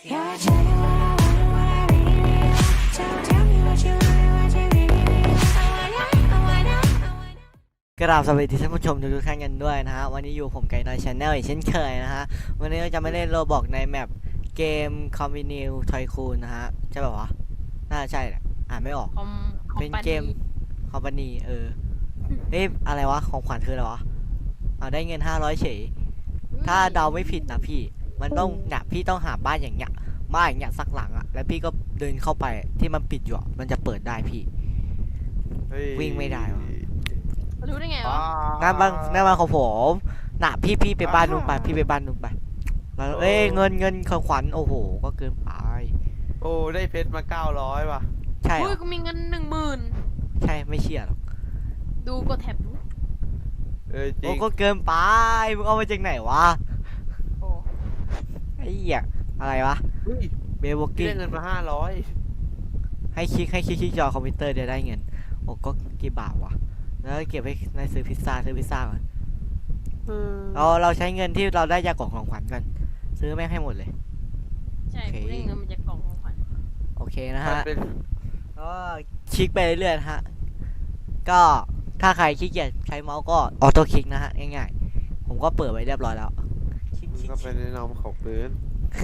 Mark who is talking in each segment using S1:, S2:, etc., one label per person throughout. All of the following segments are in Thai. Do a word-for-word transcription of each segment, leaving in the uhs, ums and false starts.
S1: Yeah, tell me what I want and what I really want. So tell me what you want and what you really need. I wanna, I wanna, I wanna.
S2: กราบสวัสดีท่านผู้ชมทุกท่านกันด้วยนะฮะวันนี้อยู่ผมไก่น้อยชาแนลอีกเช่นเคยนะฮะวันนี้เราจะมาเล่นโรบอกในแมปเกมคอมบินิวทอยคูนนะฮะใช่ป่าวะน่าใช่แหละอ่านไม่ออก
S3: คอมคอม
S2: เป็น
S3: ปา
S2: เกมคอมพานีเออเอ๊ะอะไรวะของขวัญคืออะไรวะเอาได้เงินห้าร้อยเฉยถ้าเดาไม่ผิดนะพี่มันต้องเนี่ยพี่ต้องหาบ้านอย่างเงี้ยบ้านอย่างเงี้ยสักหลังอะแล้วพี่ก็เดินเข้าไปที่มันปิดอยู่อะมันจะเปิดได้พี่ วิ่งไม่ได้วะ
S3: รู้ได้ไงวะ
S2: งานบ้านงานบ้านของผมน่ะพี่พี่ไปบ้านนู้นไปพี่ไปบ้านนู้นไปแล้วเอ้ยเงินเงินของขวัญโอ้โหก็เกินไป
S4: โอ้ได้เพชรมาเก้าร้อยว่ะ
S2: ใช่เหร
S3: อุ้ย
S2: อ
S3: กูมีเงินหนึ่งหมื่น
S2: ใช่ไม่เชื่อหรอก
S3: ดูกดแท็บดู
S4: เออจริ
S2: โอ้
S4: ง
S2: ก็เกินไปมึงเอามาจากไหนวะ
S3: โอ้
S2: ไอ้เหี้ยอะไรวะ
S4: เฮ้ย
S2: เบลบอก
S4: พี่
S2: กิ้ง
S4: ได้เงินมาห้าร้อย
S2: ให้คลิกให้คลิกที่จอคอมพิวเตอร์เดี๋ยวได้เงินโอ้ก็กี่บาทวะแล้วเก็บไว้ในซื้อพิซซ่าซื้อพิซซ่าก่อนเราเราใช้เงินที่เราได้จากกล่องของขวัญกันซื้อแม่งให้หมดเลย
S3: ใช่
S2: โอเค
S3: กูได้เงินมาจากกล่องของขวัญ
S2: โอเคนะ
S4: มัน
S2: ฮะ
S4: เป็น
S2: ก็คลิกไปเรื่อยๆนะฮะ ก็ถ้าใครขี้เกียจใช้เมาส์ก็ออโต้คลิกนะฮะง่ายๆ ผมก็เปิดไว้เรียบร้อยแล้วคลิก
S4: มัน
S2: คลิก
S4: ก็เป็นแนะนำของปืน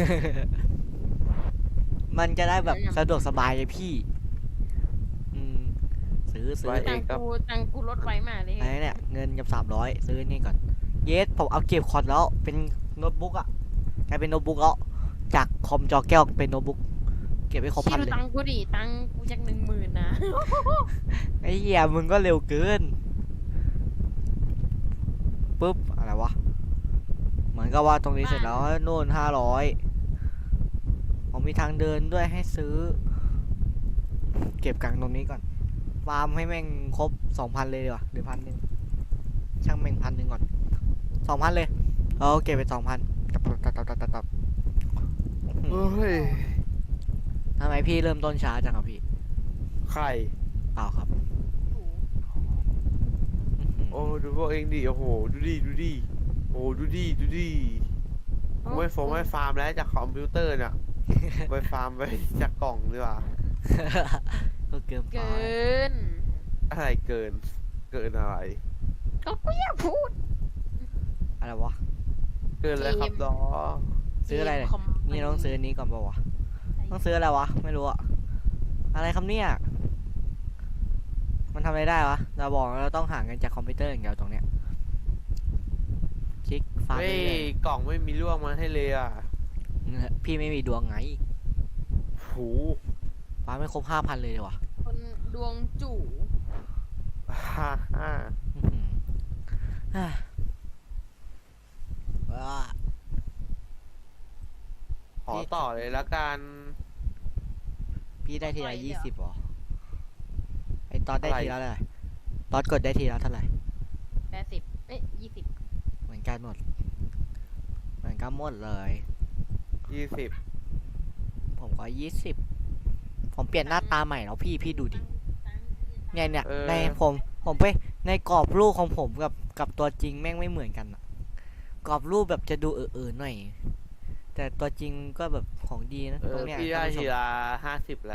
S2: มันจะได้แบบสะดวกสบายเลยพี่อืมซื้อซื้อ
S3: ตังกูตังกูลดไวมากเลย
S2: อะไรเนี่ยเงินกับสามร้อยซื้อนี่ก่อนเยสผมเอาเก็บคอร์ดแล้วเป็นโน้ตบุ๊กอะกลายเป็นโน้ตบุ๊กแล้วจากคอมจอแก้วเป็นโน้ตบุ๊กเก็บไว้ครบ
S3: ชี้
S2: พัน
S3: ดู
S2: เลย
S3: ตังกูดิตังกูจากหนึ่งหมื่นนะ
S2: ไอ้เหี้ยมึงก็เร็วเกินปุ๊บอะไรวะเหมือนกับว่าตรงนี้เสร็จแล้วนู่นห้าร้อยผมมีทางเดินด้วยให้ซื้อ เก็บกังตรงนี้ก่อนฟาร์มให้แม่งครบสองพันเลยดีกว่าหรือพันหนึ่งช่างแม่งพันหนึ่งก่อนสองพันเลยเอาเก็บไปสองพันตับตับตับตับตับตับ
S4: เฮ้ย
S2: ทำไมพี่เริ่มต้นช้าจังครับพี่
S4: ไข่
S2: เปล่าครับ
S4: โอ้ดูพวกเองดิโอ้โหดูดิดูดิโอ้ดูดิดูดิกูไม่ฟงไม่ฟาร์มแล้วจากคอมพิวเตอร์เนี่ยไปฟาร์มไปจากกล่องดีกว่า
S2: ก็เกินไป
S3: เกิน
S4: อะไรเกินเกินอะไร
S3: ก็กูอยากพูด
S2: อะไรวะ
S4: เกินแล้วครับดอ
S2: ซื้ออะไรเนี่ย
S3: คม
S2: นี่ต้องซื้ออันนี้ก่อนเปล่าวะต้องซื้ออะไรวะไม่รู้อะอะไรครับเนี่ยมันทำอะไรได้วะเราบอกว่าเราต้องหาเงินจากคอมพิวเตอร์อย่างเดียวตรงเนี้ยคลิกฟาร์ม
S4: เฮ้ย
S2: เรื่อย
S4: กล่องไม่มีร่วงมาให้เลยอ่ะ
S2: ๆพี่ไม่มีดวงไง
S4: หู
S2: ฟาร์มไม่ครบห้าพันเลยดีวะ
S3: คนดวงจู่
S4: ฮ่าฮ่า
S2: อื้อหืออ่ะว้า
S4: ขอต่อเลยละกัน
S2: พี่ได้ทีละยี่สิบหรอไอตอนได้ทีละเท่าไหร่ตอนกดได้ทีละเท่าไหร่
S3: แปดสิบเอ้ยยี่สิบ
S2: เหมือนกันหมดเหมือนกันหมดเลย
S4: ยี่สิบ
S2: ผมก็ยี่สิบผมเปลี่ยนหน้าตาใหม่แล้วพี่พี่ดูดิเนี่ยเนี่ยในผมผมไปในกรอบรูปของผมกับกับตัวจริงแม่งไม่เหมือนกันอะกรอบรูปแบบจะดูเออๆหน่อยแต่ตัวจริงก็แบบของดีนะ
S4: เอ
S2: ตร
S4: อง
S2: เนี้ย
S4: พี่ได้
S2: ท่านผู้ช
S4: ที
S2: ม
S4: ละห้าสิบแล้ว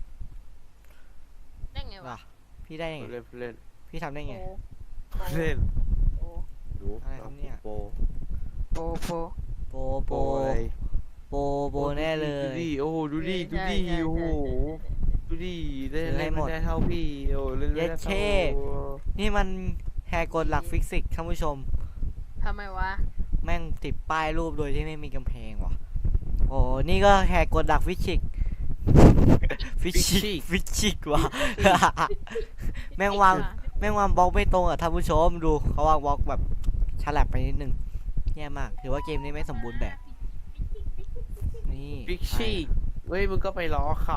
S3: ได้ไงวะ
S2: ว่ะพี่ได้ยังไง
S4: เล่นเล่น
S2: พี่ทำได้ไง
S3: โอ้
S4: เล่น
S3: โอ้
S4: ดู
S2: อะไรครับเนี่ย
S4: โป
S3: โปโป
S2: โปโป
S4: อะไร
S2: โปโปแน่เล
S4: ดู
S2: ย
S4: ดิโอ้โหดูดิดู
S3: ใช่
S4: ดิ
S3: ใช่
S4: โอ้โห
S3: ใช่
S4: ดูดิเล่น
S2: ซื้อให้
S4: เล่น
S2: หม
S4: ไม่
S2: ด
S4: ได้เท่าพี่โอ้เล่นไม่ได้
S2: เย็ดเช่
S4: เท่า
S2: นี่มันแฮกฎหลักฟิสิกส์ท่านผู้ชม
S3: ทำไมวะ
S2: แม่งติดป้ายรูปโดยที่ไม่มีกำแพงว่ะโอ้นี่ก็แหกกฎหลักฟิสิกส์ฟิสิกส์ฟิสิกส์ว่ะ แม่งวางแม่งวางบล็อกไม่ตรงอ่ะท่านผู้ชมดูเขาวางบล็อกแบบฉลับไปนิดนึงแย่มากถือว่าเกมนี้ไม่สมบูรณ์แบบนี่
S4: บิ๊กชี่เว้ยมึงก็ไปล้อเขา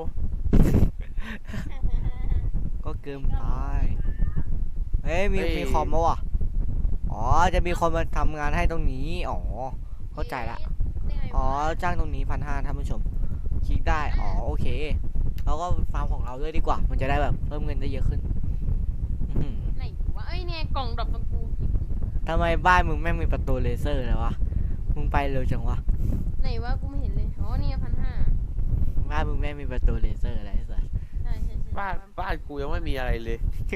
S2: ก็เกินไปเฮ้ยมีมีคอมมาวะอ๋อจะมีคนมาทำงานให้ตรงนี้อ๋อเข้าใจละ อ๋อจ้างตรงนี้พันห้าท่านผู้ชมคลิกได้อ๋อโอเคเราก็ฟาร์มของเราด้วยดีกว่า มันจะได้แบบเพิ่มเงินได้เยอะขึ้นอื้อหือ
S3: ไหนวะเอ้ยเนี่ยกล่องดอกตะกู
S2: ทำไมบ้านมึงแม่งมีประตูเลเซอร์เลยวะมึงไปเร็วจังวะ
S3: ไหนวะกูไม่เห็นเลยโอ้อ๋อนี่พันห้า
S2: บ้านมึงแม่งมีประตูเลเซอร์อะไรสัส
S3: ใช่ใช่ใช่
S4: บ้านบ้านกูยังไม่มีอะไรเลย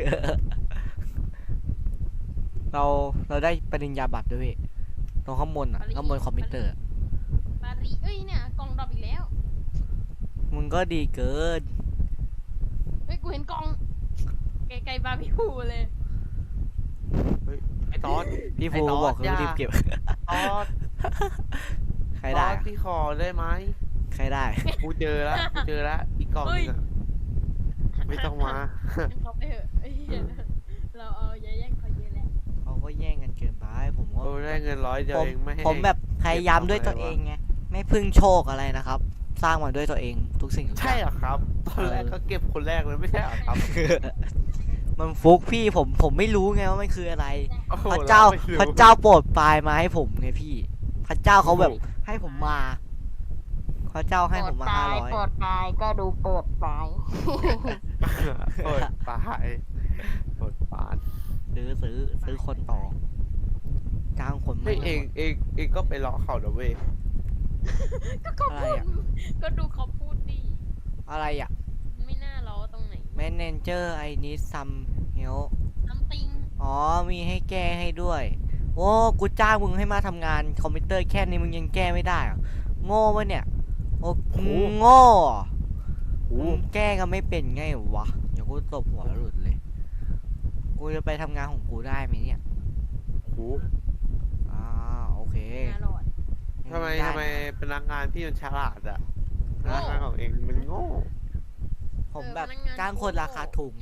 S2: เราเราได้ปริญญาบัตรด้วยพี่ตรงข้างบนอ่ะข้างบนคอมพิวเตอร์อะ
S3: ปารีเอ้ยเนี่ยกล่องดรอปอีกแล้ว
S2: มึงก็ดีเกิน
S3: เฮ้ยกูเห็นกล่องไกลๆบาร์บีคิวเลย
S4: ไอ้ตอน
S2: พี่ภู
S4: ไอ้ตอด
S2: บอกเขา
S4: อย่า
S2: รีบเก็บ
S4: ตอน
S2: ใครได้
S4: ตอน
S2: อะ
S4: ที่คอได้ไหม
S2: ใครได้
S4: กูเจอแล้วกูเจอแล้วอีกกล่องนึงอะไม่ต้องมา
S3: เขาไปเถอะไอ้เหี้ยเราเอาอย่าแย่งเขาเยอะแล้ว
S2: เขาก็แย่งกันเกินไปผมก็
S4: โอ้ได้เงินร้อยเดียว
S2: ผม
S4: เองไม่ให้
S2: ผมแบบพยายามด้วยตัว
S4: เก็บ
S2: เอ
S4: ทำไมวะ
S2: งไงไม่พึ่งโชคอะไรนะครับ สร้างมาด้วยตัวเองทุกสิ่งทุกอ
S4: ใช่
S2: ย่าง
S4: เหรอครับ ตอนแรกก็เก็บคนแรกเลยไม่ใช่เหรอครับ
S2: มันฟุกพี่ผมผมไม่รู้ไงว่ามันคืออะไร
S4: โอ้โห
S2: พระเจ้า
S4: ไม่รู้
S2: พระเจ้าโปรดปลายมาให้ผมไงพี่ พระเจ้าเขาแบบให้ผมมา พระเจ้าให้ผมมาห้าร้อย
S3: โปรดตายก็ดูโปรดตาย
S4: เปิดปลายเปิดปาน
S2: ซื้อซื้อซื้อคนต่อจ้างคน
S4: ไม่
S2: ไม่
S4: เองเองเองก็ไปล้อเขาเดี๋ยวเว้ย
S3: ก็เขาพูดก็ดูเขาพูดดิ
S2: อะไรอ่ะ
S3: ไม่น่าล้อตรงไหน
S2: manager I need some help
S3: ซัมติง
S2: อ๋อมีให้แก้ให้ด้วย โอ้กูจ้างมึงให้มาทำงานคอมพิวเตอร์แค่นี้มึงยังแก้ไม่ได้เหรอโง่ปะเนี่ยโอ้โง่เหรอ
S4: โอ้
S2: มึงแก้ก็ไม่เป็นไงวะเดี๋ยวกูตบหัวหลุดเลย กูจะไปทำงานของกูได้ไหมเนี่ย
S4: โห
S2: อ่าโอเค
S3: น่าหลอด
S4: ทำไม
S2: ด้
S4: ทำไมพนักงานพี่มันฉลาดอะพ
S3: โง่
S4: นักงานของเองมันโง่
S2: ผมแบบ
S3: เออพนักงาน
S2: จ้างคน
S3: โง่
S2: ราคาถูกไง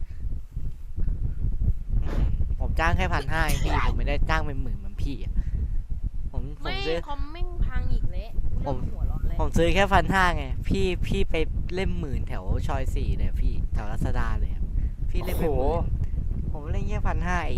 S2: อืมผมจ้างแค่พันห้าพี่ ผมไม่ได้จ้างเป็นหมื่นเหมือนพี่อะผมผม
S3: ไม่
S2: ซื้อ
S3: คอมแม่งพังอีกแล้ว
S2: ผม
S3: เริ่หัวร้อนแล้ว
S2: ผมซื้อแค่พันห้าไง พี่พี่ไปเล่มหมื่นแถวชอยสี่เลยพี่แถวรัชดาเลยอะพี่เล่นไปหมื่นผมเล่นแค่พันห้าเอง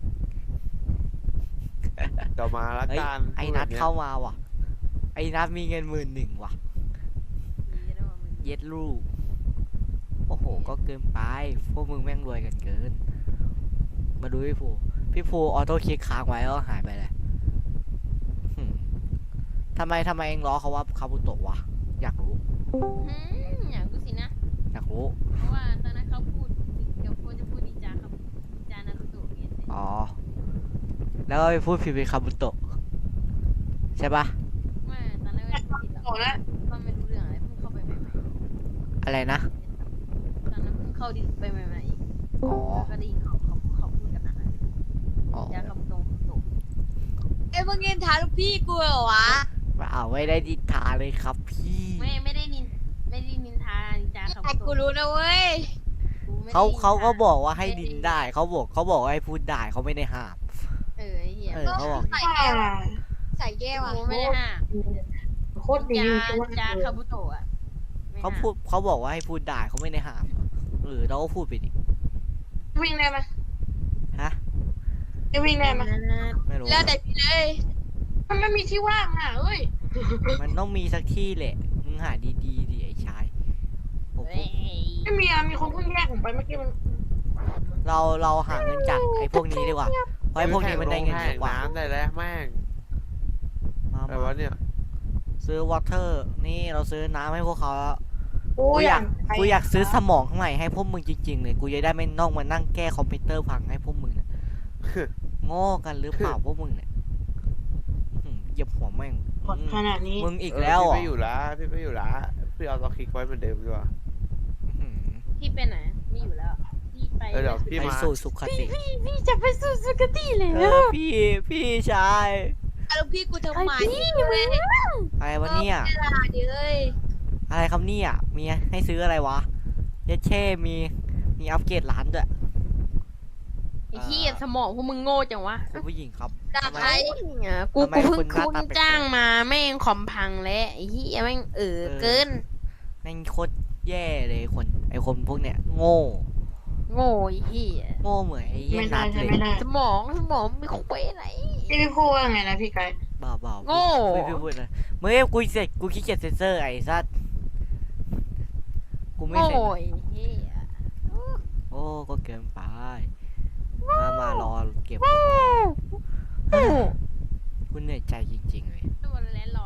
S4: เดี๋ยวมาละ
S2: เฮ้ย
S4: กัน
S2: ไอ้นัดเข้ามาว่ะ ไอ้นัดมีเงินหมื่นหนึ่งว่ะ
S3: ดีนะว่ามึง
S2: เย็ดลูก โอ้โห ก็เกินไป พวกมึงแม่งรวยกันเกิน มาดูพี่ภูพี่ภูออโต้คลิกค้างไว้แล้วก็หายไปเลยหืมทำไมทำไมเองล้อเขาว่าคาบุโตะวะ อยากรู้
S3: อืมอยากรู้สินะ
S2: อยากรู้
S3: เพราะว่าตอนนั้นเขาพูดเดี๋ยวโคจะพูดดีจาครับดีจานารุโตะเนี่ย
S2: อ๋อ แล้วก็ไปพูดผิดเป็นคาบุโตะใช่ปะ
S3: ไม่ตอนแรกไม่พูดผิดหรอกก็ไม่รู้เรื่องอะไรเพิ่งเข้าไปใหม่
S2: อะไรนะ
S3: ๆตอนนั้นเพิ่งเข้าดิไปใหม่ๆอีก
S2: อ๋อ
S3: ก็ได้ยินเขาเขาเขาพูดกันนะ
S2: อ๋อ
S3: จาคำตรงตรง
S5: เอ้ยมึงเงินทาลูกพี่กูเหรอวะ
S2: เปล่าไม่ได้ดิทาเลยครับพี่
S3: ไม่ไม่ได้นินไม่ได้นินทานินจาคำ
S5: แต่
S3: ตรง
S5: กูรู้นะเว้ย
S3: กูไม่ได้
S2: เขา
S3: นินท
S2: เขาก็บอกว่าให้ดินได้ เขาบอกเขาบอกว่าให้พูดได้เขาไม่ได้ห้าม
S3: เออไอ้เหี้ย
S2: เออเขาบอก
S5: ใส่แก้วอะใส่แก้วอ่ะ
S3: กูไม่ได้ห้าม
S6: โคตรดี
S3: จา
S6: จัง
S3: จาคาบุโตะอะไม่
S2: เขา
S3: ห้ม
S2: พูดเขาบอกว่าให้พูดได้เขาไม่ได้ห้ามหรือเราก็พูดไปดิ
S6: วิ่งได้ไหม
S2: ฮะ
S6: จะวิ่งได้ไหม
S2: ไม่รู้
S5: แล้วแต่พี่เลย
S6: มันไม่มีที่ว่างอ่ะเอ้ย
S2: มันต้องมีสักที่แหละมึงหาดีๆดิไอ้ชายผม
S3: เฮ้ย
S6: ไม่มีอ่ะมีคนเพิ่งแยกผมไปเมื่อกี้มัน
S2: เราเราหาเงินจากไอ้พวกนี้ดีกว่าเพราะไอ้พวกนี้มันได้เงินเยอะกว่า
S4: น้ำได้แล้วแม่ง
S2: มา
S4: อะไรวะเนี่ย
S2: ซื้อวอเตอร์นี่เราซื้อน้ำให้พวกเขาแล้ว
S6: โอ้
S2: กูอยาก
S6: ไป
S2: กูอยากซื้อสมองข้างในให้พวกมึงจริงๆเลยกูจะได้ไม่ต้องมานั่งแก้คอมพิวเตอร์พังให้พวกมึงเนี่ย โง่กันหรือเปล่าพวกมึงเนี่ยอืมเหยียบหัวแม่ง
S6: กดขนาดนี้
S2: มึงอีกแล้วเหร
S4: พี่
S2: อ่ะ
S4: ไม่อยู่ละพี่ไม่อยู่ละพี่เอาตัวคลิกไว้เหมือนเดิมดีกว่า
S3: พี่ไปไหนไม่อยู่แล้วพี่ไป
S4: เออเดี๋ยวพี่
S2: ไป
S4: มา
S2: สู่สุขติ
S3: พี่จะไปสู่สุคติเลย
S2: เออพี่พี่ชาย
S5: เอาลูกพี่กูทำไมเว้ย
S2: อะไรวะเนี่ย
S5: เวลาดิเอ้ย
S2: อะไรครับเนี่ยมีให้ซื้ออะไรวะเยเช่มีมีอัปเกรดร้านด้วย
S3: ไอ้ที่สมองพวกมึงโง่จังวะ
S2: คุณผู้หญิงครับ
S5: ด่า
S2: ทำไม
S5: ใคร
S3: เนี่ยกู
S2: ทำไม
S3: กูเพิ่ง
S2: คุณหน้า
S3: คุณ
S2: ตาแปลกๆ
S3: จ้างมาแม่งคอมพังแล้วไอ้ที่แม่งเออ
S2: เออ
S3: เกิน
S2: แม่งโคตรแย่เลยคนไอคนพวกเนี้ยโง่
S3: โง่ไอ้ที่
S2: โง่เหมือนไอ้เหี้ย
S6: ไม่
S2: นั
S6: ได้
S2: ด
S6: ใช่
S2: เลย
S6: ไม่ได้
S3: สมองสมองไม่คุยอะไร
S6: พี่พี่พูดว่าไงนะพี่ไก่
S2: บ้าบ้า
S3: โง่
S2: ไม่พูดเลยเมื่อกูเสร็จกูขี้เกียจเซนเซอร์ไอ้สัสกูไม่
S3: โง่
S2: เสร็จ
S3: ไอ้เหี้ย
S2: โอ้ก็เกินไปมามารอเก็บ
S3: โง่
S2: กูเหนื่อยใจจริงๆเลย
S3: ตัวแล้วรอแล้ว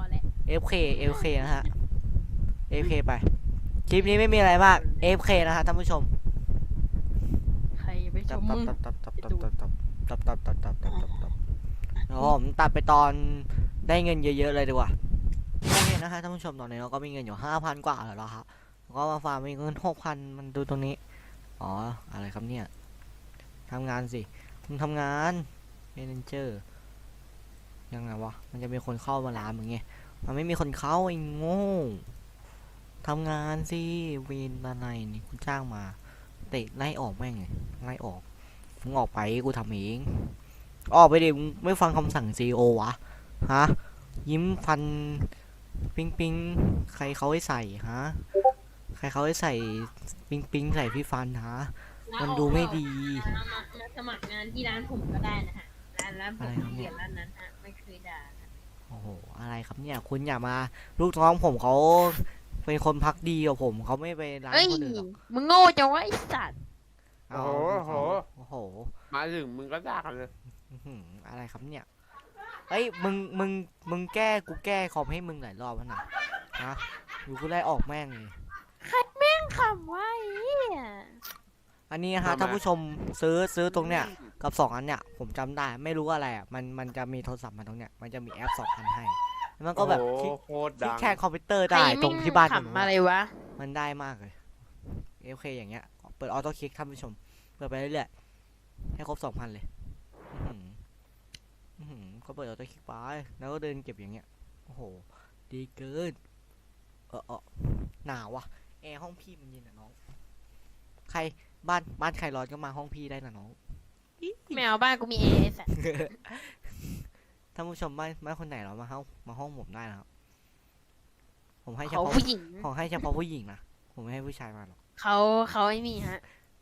S2: เอฟเค เอฟเค นะฮะ เอฟเค ไป คลิปนี้ไม่มีอะไรมาก เอฟเค นะฮะท่านผู้ชม
S3: ใครไปช
S2: ตับ
S3: ม
S2: ตับ
S3: มึง
S2: ตับตับตับตับตับตับตับตับตับตับตับตับตับแล้วผมตัดไปตอนได้เงินเยอะๆเลยดีกว่าโอเคนะฮะท่านผู้ชมตอนนี้เราก็มีเงินอยู่ห้าพันกว่าแล้วครับแล้วก็มาฟาร์มมีเงินหกพันมันดูตรงนี้อ๋ออะไรครับเนี่ยทำงานสิมึงทำงานเมนเจอร์ยังไงวะมันจะมีคนเข้ามาร้านมึงไงมันไม่มีคนเข้าไอ้โง่ทำงานสิเวนอะไรนี่คุณจ้างมาเตะไล่ออกแม่งเลยไล่ออกมึงออกไปกูทำเองออกไปดิมึงไม่ฟังคำสั่งซีโอวะฮะยิ้มฟันปิงปิงใครเขาให้ใส่ฮะใครเขาให้ใส่ปิงปิงใส่พี่ฟันฮะมันดูไม่ดี
S3: มามามาสมัครงานที่ร้านผมก็ได้นะฮะร้านร้านผม
S2: อะไรครับเนี่
S3: เขี
S2: ย
S3: ยนร้านนั้นฮะไม่เคยด่านะ
S2: โอ้โหอะไรครับเนี่ยคุณอย่ามาลูกน้องผมเขาเป็นคนพักดีกว่าผมเขาไม่ไปร้าน
S3: เอ้ย
S2: คนอื่นหรอก
S3: มึงโง่จังวะไอ้สัตว์
S4: โอ้โหโอ้โห
S2: โอ้โห
S4: มาถึงมึงก็ด่ากันเลย
S2: อื้อหืออะไรครับเนี่ยเอ้ยมึงมึงมึงแก้กูแก้คอมให้มึงหลายรอบแล้วนะนะอยู่กูไล่ออกแม่งเลย
S3: คำว่าไอ้เหี้ย
S2: อันนี้นะฮะท่านผู้ชมซื้อซื้อตรงเนี้ยกับสองอันเนี้ยผมจำได้ไม่รู้อะไรอ่ะมันมันจะมีโทรศัพท์มาตรงเนี้ยมันจะมีแอปสองอันให้แล้วมันก็แบบ
S4: โอ้
S2: คลิก
S4: โหโคตร
S2: คลิ
S4: ดั
S2: ก
S4: ง
S2: แค่คอมพิวเตอร์
S3: ใคร
S2: ได้ตรงที่บ้าน
S3: ขำอะไรวะ
S2: มันได้มากเลยโอเคอย่างเงี้ยเปิดออโต้คลิกท่านผู้ชมเปิดไปเรื่อยๆให้ครบสองพันเลยอื้อหืออื้อหือก็เปิดออโต้คลิกไปแล้วก็เดินเก็บอย่างเงี้ยโอ้โหดีเกินเออเออหนาวว่ะแอร์ห้องพี่มันเย็นอ่ะน้องใครบ้านบ้านใครร้อนก็มาห้องพี่ได้นะน้อง
S3: ไม่เอาบ้านกูมีเอสอะ
S2: ท่านผู้ชมบ้านบ้านคนไหนเหรอมาห้องมาห้องผมได้นะครับผมให้เฉ
S3: เขา
S2: พาะ
S3: ผู้หญิง
S2: ผมให้เฉพาะผู้หญิงนะผมไม่ให้ผู้ชายมาหรอก
S3: เขาเขาไอ้นี่ฮะ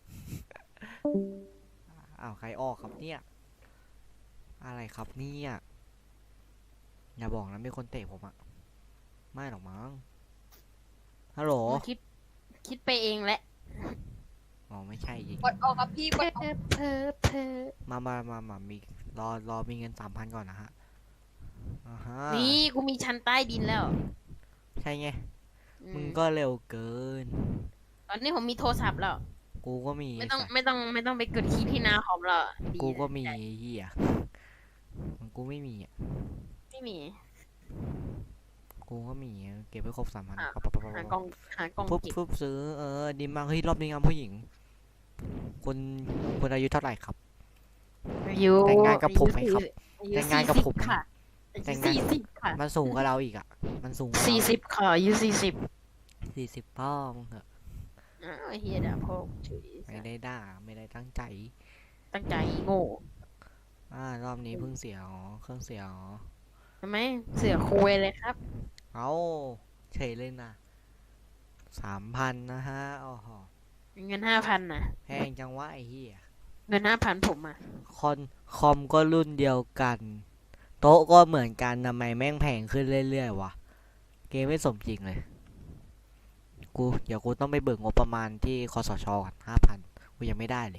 S2: อ้าวใครออกครับเนี่ยอะไรครับเนี่ยอย่าบอกนะมีคนเตะผมอะไม่หรอกมั้งฮัลโหล
S3: มึงคิดคิดไปเองแหละ
S2: อ๋อไม่ใช่ยิง
S5: กดออกครับพี่กดออก
S3: เพอเพอ
S2: มามามามามีรอรอมีเงินสามพันก่อนนะฮะอ่าฮะ
S3: นี่กูมีชั้นใต้ดินแล้ว
S2: ใช่ไง
S3: อื
S2: มึงก็เร็วเกิน
S3: ตอนนี้ผมมีโทรศัพท์แล้ว
S2: กูก็มี
S3: ไม่ต้อง
S2: สัตว์
S3: ไม่ต้องไม่ต้องไปกดคีย์ที่หน้าคอมแล้วดี
S2: กูก็มี
S3: ใช่
S2: ไอ้เหี้ยมันกูไม่มีอ่ะ
S3: ไม่มี
S2: กูก็มีอะเก็บไว้ครบสามพัน
S3: อ่ะ
S2: ปั๊บปั๊บปั๊บ
S3: หา
S2: ปั๊บ
S3: กล่องหากล่อง
S2: ปุ๊บ
S3: เก็บ
S2: ปุ๊บซื้อเออดีมากเฮ้ยรอบนี้งามผู้หญิงคุณคุณอายุเท่าไหร่ครับ
S3: อยู่
S2: แต่งงานกับผมไหมครับ
S3: อายุ
S2: แต่งงานกับผม
S3: สี่สิค่ะ
S2: แต่งงาน
S3: สี่สิบค่ะ
S2: มันสูงกว่าเราอีกอ่ะ มันสูงกว่า
S3: สี่สิบค่ะอายุสี่สิบ
S2: สี่สิบพ่อมึงเหอะ
S3: อ้าวไอ้เฮียด่าพ่อกูเฉย
S2: ไม่ได้ด่าไม่ได้ตั้งใจ
S3: ตั้งใจโง่
S2: อ่ารอบนี้เพิ่งเสียอ๋อเครื่องเสียอ๋อ
S3: ทำไมเสือคุยเลยครับ
S2: เอาเฉยเลยนะสามพันนะฮะโอ้โห
S3: เงินห้าพันนะ
S2: แพงจังวะไอ้เหี้ย
S3: เงินห้าพันผมอ่ะ
S2: คอนคอมก็รุ่นเดียวกัน โต๊ะก็เหมือนกันทำไมแม่งแพงขึ้นเรื่อยๆวะเกมไม่สมจริงเลยกูเดี๋ยวกูต้องไปเบิกงบประมาณที่คสชก่อนห้าพันกูยังไม่ได้เลย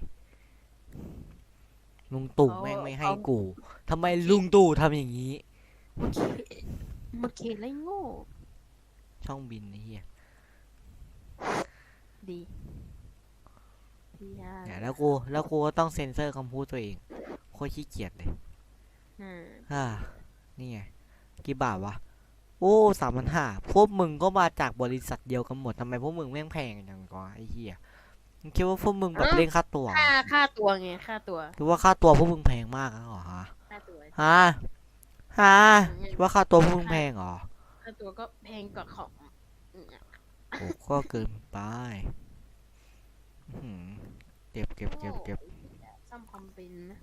S2: ลุงตู่แม่งไม่ให้กูทำไมลุงตู่ทำอย่างนี้
S3: เมื่อกี้เมื่อกี้ไรโง่
S2: ช่องบินไอ้เหี้ย
S3: ดีดีอ่ะ
S2: เนี่ยแล้วกูแล้วกูก็ต้องเซ็นเซอร์คำพูดตัวเองโคตรขี้เกียจเลย
S3: อ่า
S2: อ่านี่ไงกี่บาทวะโอ้สามพันห้าพวกมึงก็มาจากบริษัทเดียวกันหมดทำไมพวกมึงแม่งแพงอย่างกว่าไอ้เหี้ยมึงคิดว่าพวกมึงแบบเล่นค่าตัวเหรอ
S3: ค่าค่าตัวไงค่าตัว
S2: คิดว่าค่าตัวพวกมึงแพงมากแล้วเหรอฮะ
S3: ค่าตัว
S2: ฮะฮะคิดว่าค่าตัวพวกมึงแพงเหรอ
S3: ค่าตัวก็แพงกว่าของอืม
S2: โอ้ก็เกินไปอื้อหือเก็บเก็บเก็บเก็บ
S3: ซ่อมคอมเป็นนะ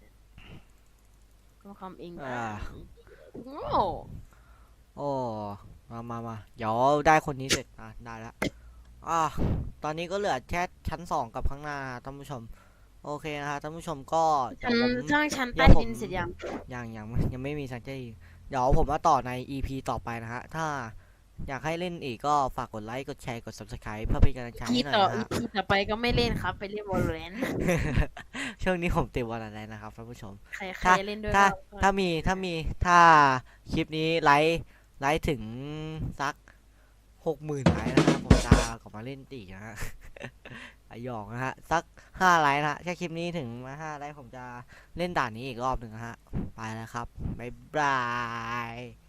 S3: ซ่อมคอมเอง
S2: อ่า
S3: โง่
S2: โอ้มามามาเดี๋ยวได้คนนี้เสร็จอ่ะได้ละอ่ะตอนนี้ก็เหลือแค่ชั้นสองกับข้างหน้าท่านผู้ชมโอเคนะฮะท่านผู้ชมก็เดี๋
S3: ชั้
S2: ย
S3: น
S2: วผม
S3: สร้างชั้น
S2: เดี๋
S3: ใต้
S2: ยวผม
S3: ดินเสร็จยัง
S2: ยังยังยังไม่มีสัญญาณเดี๋ยวผมมาต่อใน อี พี ต่อไปนะฮะถ้าอยากให้เล่นอีกก็ฝากกดไลค์กดแชร์กด ซับสไครบ์ เพื่อเป็นกำลังใจ
S3: ที
S2: ให้หน่อย
S3: ต่อ
S2: นะ
S3: อี
S2: ฮะ
S3: พีต่อไปก็ไม่เล่นครับ ไปเล่นวอลเลน
S2: ช่วงนี้ผมติดวันอะไรนะครับท่านผู้ชม
S3: ใครใคร
S2: ถ้า
S3: เล่นด้วย
S2: ถ้า
S3: ก็
S2: ถ้ามีถ้ามีถ้าคลิปนี้ไลค์ไลค์ถึงสักหกหมื่นไลค์นะฮะผมจะกลับมาเล่นตีนะฮะ ไอหยอกนะฮะสักห้าไลค์นะฮะแค่คลิปนี้ถึงมาห้าไลค์ผมจะเล่นด่านนี้อีกรอบหนึ่งนะฮะไปแล้วครับบ๊ายบาย